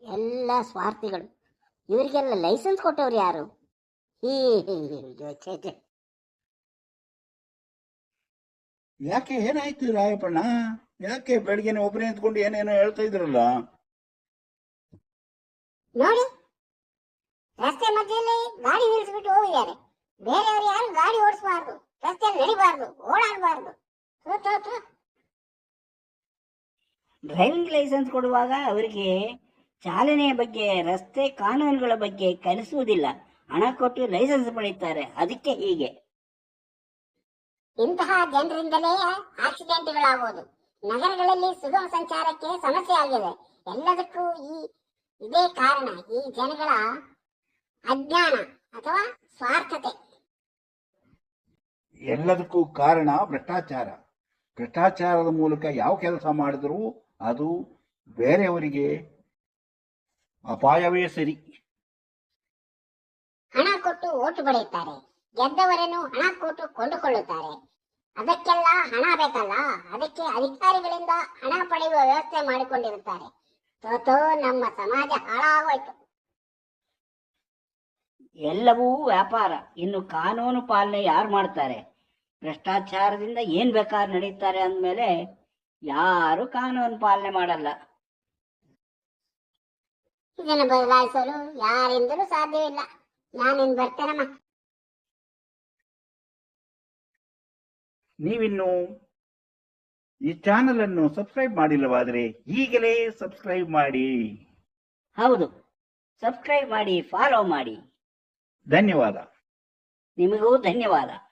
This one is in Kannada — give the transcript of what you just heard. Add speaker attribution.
Speaker 1: ಎಲ್ಲ ಸ್ವಾರ್ಥಿಗಳು. ಇವರಿಗೆಲ್ಲ ಲೈಸೆನ್ಸ್ ಕೊಟ್ಟವ್ರು ಯಾರು? ಹೀ ಛೇ ಛೇ.
Speaker 2: ಯಾಕೆ ಏನಾಯ್ತು ರಾಯಪ್ಪಣ್ಣ? ಯಾಕೆ ಬೆಳಗ್ಗೆನೆ ಒಬ್ಬರೇ ನಿಂತ್ಕೊಂಡು ಏನೇನೋ ಹೇಳ್ತಾ ಇದ್ರಲ್ಲ?
Speaker 1: ನೋಡಿ, ರಸ್ತೆ ಮಧ್ಯದಲ್ಲಿ ಗಾಡಿ ನಿಲ್ಲಿಸ್ಬಿಟ್ಟು ಹೋಗಿದ್ದಾರೆ. ಬೇರೆಯವರು ಯಾರು ಗಾಡಿ ಓಡಿಸಬಾರ್ದು, ರಸ್ತೆಯಲ್ಲಿ ನಡಿಬಾರ್ದು, ಓಡಾಡಬಾರ್ದು.
Speaker 3: ಡ್ರೈವಿಂಗ್ ಲೈಸೆನ್ಸ್ ಕೊಡುವಾಗ ಅವರಿಗೆ ಚಾಲನೆಯ ಬಗ್ಗೆ, ರಸ್ತೆ ಕಾನೂನುಗಳ ಬಗ್ಗೆ ಕಲಿಸುವುದಿಲ್ಲ. ಹಣ ಕೊಟ್ಟು ಲೈಸೆನ್ಸ್ ಪಡೆಯುತ್ತಾರೆ. ಅದಕ್ಕೆ ಹೀಗೆ.
Speaker 1: ಇಂತಹ ಜನರಿಂದಲೇ ಆಕ್ಸಿಡೆಂಟ್ಗಳಾಗುವುದು. ನಗರಗಳಲ್ಲಿ ಸುಗಮ ಸಂಚಾರಕ್ಕೆ ಸಮಸ್ಯೆ ಆಗಿದೆ. ಎಲ್ಲದಕ್ಕೂ ಇದೇ ಕಾರಣ, ಈ ಜನಗಳ ಅಜ್ಞಾನ ಅಥವಾ ಸ್ವಾರ್ಥತೆ.
Speaker 2: ಎಲ್ಲದಕ್ಕೂ ಕಾರಣ ಭ್ರಷ್ಟಾಚಾರ. ಭ್ರಷ್ಟಾಚಾರದ ಮೂಲಕ ಯಾವ ಕೆಲಸ ಮಾಡಿದರೂ ಅದು ಬೇರೆಯವರಿಗೆ ಅಪಾಯವೇ ಸರಿ.
Speaker 1: ಹಣ ಕೊಟ್ಟು ಓಟು ಪಡೆಯುತ್ತಾರೆ, ಗೆದ್ದವರನ್ನು ಹಣ ಕೊಟ್ಟು ಕೊಂಡುಕೊಳ್ಳುತ್ತಾರೆ. ಅದಕ್ಕೆಲ್ಲ ಹಣ ಬೇಕಲ್ಲ, ಅದಕ್ಕೆ ಅಧಿಕಾರಿಗಳಿಂದ ಹಣ ಪಡೆಯುವ ವ್ಯವಸ್ಥೆ ಮಾಡಿಕೊಂಡಿರುತ್ತಾರೆ. ತೋತೋ ನಮ್ಮ ಸಮಾಜ ಹಾಳಾಗೋಯ್ತು.
Speaker 3: ಎಲ್ಲವೂ ವ್ಯಾಪಾರ. ಇನ್ನು ಕಾನೂನು ಪಾಲನೆ ಯಾರು ಮಾಡ್ತಾರೆ? ಭ್ರಷ್ಟಾಚಾರದಿಂದ ಏನ್ ಬೇಕಾದ್ರೂ ನಡೀತಾರೆ ಅಂದ್ಮೇಲೆ ಯಾರು ಕಾನೂನು ಪಾಲನೆ ಮಾಡಲ್ಲ.
Speaker 1: ಇದನ್ನು ಬದಲಾಯಿಸಲು ಯಾರಿಂದಲೂ ಸಾಧ್ಯವಿಲ್ಲ. ನಾನಿನ್ ಬರ್ತೇನಮ್ಮ.
Speaker 2: ನೀವಿನ್ನು ಈ ಚಾನೆಲ್ ಅನ್ನು ಸಬ್ಸ್ಕ್ರೈಬ್ ಮಾಡಿಲ್ಲವಾದರೆ ಈಗಲೇ ಸಬ್ಸ್ಕ್ರೈಬ್ ಮಾಡಿ.
Speaker 3: ಹೌದು, ಸಬ್ಸ್ಕ್ರೈಬ್ ಮಾಡಿ, ಫಾಲೋ ಮಾಡಿ.
Speaker 2: ಧನ್ಯವಾದ.
Speaker 3: ನಿಮಗೂ ಧನ್ಯವಾದ.